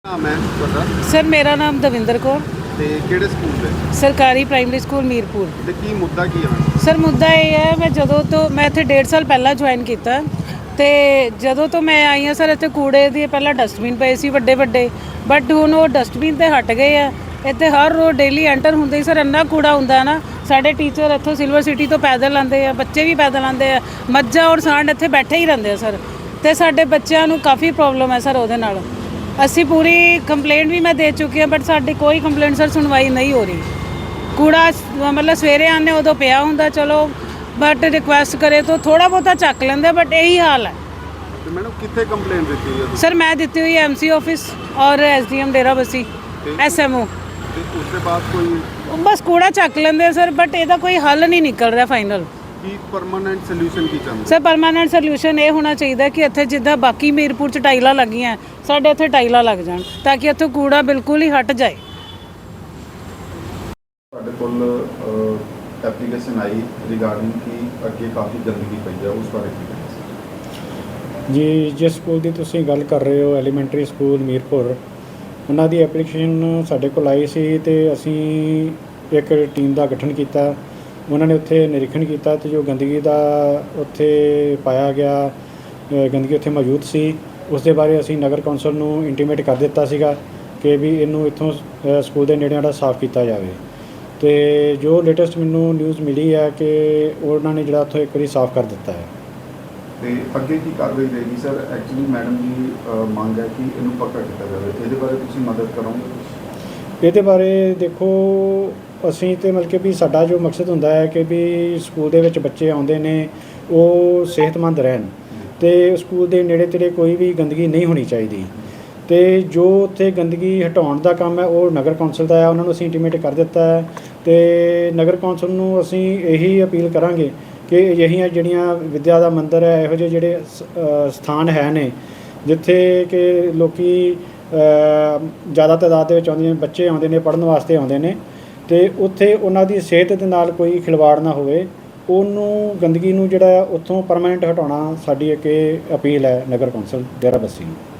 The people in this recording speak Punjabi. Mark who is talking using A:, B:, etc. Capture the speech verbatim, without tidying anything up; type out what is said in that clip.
A: ਨਾਮ ਹੈ ਤੁਹਾਡਾ?
B: ਸਰ ਮੇਰਾ ਨਾਮ ਦਵਿੰਦਰ ਕੌਰ,
A: ਤੇ ਕਿਹੜੇ ਸਕੂਲ ਦੇ?
B: ਸਰਕਾਰੀ ਪ੍ਰਾਇਮਰੀ ਸਕੂਲ ਮੀਰਪੁਰ।
A: ਤੇ ਕੀ ਮੁੱਦਾ ਕੀ ਹੈ?
B: ਸਰ ਮੁੱਦਾ ਇਹ ਹੈ, ਮੈਂ ਜਦੋਂ ਤੋਂ ਮੈਂ ਇੱਥੇ ਡੇਢ ਸਾਲ ਪਹਿਲਾਂ ਜੁਆਇਨ ਕੀਤਾ ਤੇ ਜਦੋਂ ਤੋਂ ਮੈਂ ਆਈ ਹਾਂ ਸਰ, ਇੱਥੇ ਕੂੜੇ ਦੀ ਪਹਿਲਾਂ ਡਸਟਬਿਨ ਪਏ ਸੀ ਵੱਡੇ ਵੱਡੇ, ਬਟ ਹੁਣ ਉਹ ਡਸਟਬਿਨ ਤੇ ਹਟ ਗਏ ਆ। ਇੱਥੇ ਹਰ ਰੋਜ਼ ਡੇਲੀ ਐਂਟਰ ਹੁੰਦੇ ਹੀ ਸਰ ਇੰਨਾ ਕੂੜਾ ਹੁੰਦਾ ਨਾ। ਸਾਡੇ ਟੀਚਰ ਇੱਥੋਂ ਸਿਲਵਰ ਸਿਟੀ ਤੋਂ ਪੈਦਲ ਆਉਂਦੇ ਆ, ਬੱਚੇ ਵੀ ਪੈਦਲ ਆਉਂਦੇ ਆ, ਮੱਝਾਂ ਔਰ ਸਾਂਢ ਇੱਥੇ ਬੈਠੇ ਹੀ ਰਹਿੰਦੇ ਆ ਸਰ। ਤੇ ਸਾਡੇ ਬੱਚਿਆਂ ਨੂੰ ਕਾਫੀ ਪ੍ਰੋਬਲਮ ਹੈ ਸਰ ਉਹਦੇ ਨਾਲ। ਅਸੀਂ ਪੂਰੀ ਕੰਪਲੇਂਟ ਵੀ ਮੈਂ ਦੇ ਚੁੱਕੀ ਹਾਂ, ਬਟ ਸਾਡੀ ਕੋਈ ਕੰਪਲੇਂਟ ਸਰ ਸੁਣਵਾਈ ਨਹੀਂ ਹੋ ਰਹੀ। ਕੂੜਾ ਮਤਲਬ ਸਵੇਰੇ ਆਉਂਦੇ ਉਦੋਂ ਪਿਆ ਹੁੰਦਾ, ਚਲੋ ਬਟ ਰਿਕੁਐਸਟ ਕਰੇ ਤਾਂ ਥੋੜਾ ਬਹੁਤਾ ਚੱਕ ਲੈਂਦੇ, ਬਟ ਇਹੀ ਹਾਲ ਹੈ।
A: ਤੇ ਮੈਡਮ ਕਿੱਥੇ ਕੰਪਲੇਂਟ ਦਿੱਤੀ ਹੋਈ ਹੈ?
B: ਸਰ ਮੈਂ ਦਿੱਤੀ ਹੋਈ ਐਮ ਸੀ ਆਫਿਸ ਔਰ S D M Dera Bassi, S M O.
A: ਤੇ ਉਸ ਤੋਂ ਬਾਅਦ ਕੋਈ
B: ਬਸ ਕੂੜਾ ਚੱਕ ਲੈਂਦੇ ਸਰ, ਬਟ ਇਹਦਾ ਕੋਈ ਹੱਲ ਨਹੀਂ ਨਿਕਲ ਰਿਹਾ ਫਾਈਨਲ।
A: ਕੀ ਪਰਮਾਨੈਂਟ ਸੋਲੂਸ਼ਨ ਕੀ ਚਾਹੁੰਦੇ?
B: ਸਰ ਪਰਮਾਨੈਂਟ ਸੋਲੂਸ਼ਨ ਇਹ ਹੋਣਾ ਚਾਹੀਦਾ ਕਿ ਇੱਥੇ ਜਿੱਦਾਂ ਬਾਕੀ ਮੀਰਪੁਰ 'ਚ ਟਾਈਲਾਂ ਲੱਗੀਆਂ, ਸਾਡੇ ਇੱਥੇ ਟਾਈਲਾਂ ਲੱਗ ਜਾਣ ਤਾਂ ਕਿ ਇੱਥੋਂ ਕੂੜਾ ਬਿਲਕੁਲ ਹੀ ਹਟ ਜਾਏ।
C: ਸਾਡੇ ਕੋਲ ਐਪਲੀਕੇਸ਼ਨ ਆਈ ਰਿਗਾਰਡਿੰਗ ਕਿ ਅੱਗੇ ਕਾਫੀ ਗੰਦਗੀ ਪਈ ਹੈ, ਉਸ ਬਾਰੇ ਕੀ ਕਹਿਣਾ
D: ਜੀ? ਜਿਸ ਸਕੂਲ ਦੀ ਤੁਸੀਂ ਗੱਲ ਕਰ ਰਹੇ ਹੋ, ਐਲੀਮੈਂਟਰੀ ਸਕੂਲ ਮੀਰਪੁਰ, ਉਹਨਾਂ ਦੀ ਐਪਲੀਕੇਸ਼ਨ ਸਾਡੇ ਕੋਲ ਆਈ ਸੀ ਤੇ ਅਸੀਂ ਇੱਕ ਟੀਮ ਦਾ ਗਠਨ ਕੀਤਾ। ਉਹਨਾਂ ਨੇ ਉੱਥੇ ਨਿਰੀਖਣ ਕੀਤਾ ਤੇ ਜੋ ਗੰਦਗੀ ਦਾ ਉੱਥੇ ਪਾਇਆ ਗਿਆ, ਗੰਦਗੀ ਉੱਥੇ ਮੌਜੂਦ ਸੀ, ਉਸ ਦੇ ਬਾਰੇ ਅਸੀਂ ਨਗਰ ਕੌਂਸਲ ਨੂੰ ਇੰਟੀਮੇਟ ਕਰ ਦਿੱਤਾ ਸੀਗਾ ਕਿ ਵੀ ਇਹਨੂੰ ਇੱਥੋਂ ਸਕੂਲ ਦੇ ਨੇੜੇ ਜਿਹੜਾ ਸਾਫ਼ ਕੀਤਾ ਜਾਵੇ। ਤੇ ਜੋ ਲੇਟੈਸਟ ਮੈਨੂੰ ਨਿਊਜ਼ ਮਿਲੀ ਹੈ ਕਿ ਉਹਨਾਂ ਨੇ ਜਿਹੜਾ ਉੱਥੋਂ ਇੱਕ ਵਾਰੀ ਸਾਫ਼ ਕਰ ਦਿੱਤਾ ਹੈ।
C: ਤੇ ਅੱਗੇ ਕੀ ਕਾਰਵਾਈ ਰਹੇਗੀ ਸਰ? ਐਕਚੁਅਲੀ ਮੈਡਮ ਦੀ ਮੰਗ ਹੈ ਕਿ ਇਹਨੂੰ ਪੱਕਾ ਕੀਤਾ ਜਾਵੇ, ਇਹਦੇ ਬਾਰੇ ਤੁਸੀਂ ਮਦਦ ਕਰੋਗੇ?
D: ਇਹਦੇ ਬਾਰੇ ਦੇਖੋ, ਅਸੀਂ ਤਾਂ ਮਤਲਬ ਕਿ ਵੀ ਸਾਡਾ ਜੋ ਮਕਸਦ ਹੁੰਦਾ ਹੈ ਕਿ ਵੀ ਸਕੂਲ ਦੇ ਵਿੱਚ ਬੱਚੇ ਆਉਂਦੇ ਨੇ ਉਹ ਸਿਹਤਮੰਦ ਰਹਿਣ ਅਤੇ ਸਕੂਲ ਦੇ ਨੇੜੇ ਤੇੜੇ ਕੋਈ ਵੀ ਗੰਦਗੀ ਨਹੀਂ ਹੋਣੀ ਚਾਹੀਦੀ। ਅਤੇ ਜੋ ਉੱਥੇ ਗੰਦਗੀ ਹਟਾਉਣ ਦਾ ਕੰਮ ਹੈ ਉਹ ਨਗਰ ਕੌਂਸਲ ਦਾ ਹੈ, ਉਹਨਾਂ ਨੂੰ ਅਸੀਂ ਇੰਟੀਮੇਟ ਕਰ ਦਿੱਤਾ ਹੈ। ਅਤੇ ਨਗਰ ਕੌਂਸਲ ਨੂੰ ਅਸੀਂ ਇਹੀ ਅਪੀਲ ਕਰਾਂਗੇ ਕਿ ਅਜਿਹੀਆਂ ਜਿਹੜੀਆਂ ਵਿੱਦਿਆ ਦਾ ਮੰਦਰ ਹੈ, ਇਹੋ ਜਿਹੇ ਜਿਹੜੇ ਸਥਾਨ ਹੈ ਨੇ ਜਿੱਥੇ ਕਿ ਲੋਕ ਜ਼ਿਆਦਾ ਤਾਦਾਦ ਦੇ ਵਿੱਚ ਆਉਂਦੇ ਨੇ, ਬੱਚੇ ਆਉਂਦੇ ਨੇ, ਪੜ੍ਹਨ ਵਾਸਤੇ ਆਉਂਦੇ ਨੇ, ਅਤੇ ਉੱਥੇ ਉਹਨਾਂ ਦੀ ਸਿਹਤ ਦੇ ਨਾਲ ਕੋਈ ਖਿਲਵਾੜ ਨਾ ਹੋਵੇ, ਉਹਨੂੰ ਗੰਦਗੀ ਨੂੰ ਜਿਹੜਾ ਉੱਥੋਂ ਪਰਮਾਨੈਂਟ ਹਟਾਉਣਾ ਸਾਡੀ ਇੱਕ ਇਹ ਅਪੀਲ ਹੈ ਨਗਰ ਕੌਂਸਲ ਡੇਰਾ ਬੱਸੀ ਨੂੰ।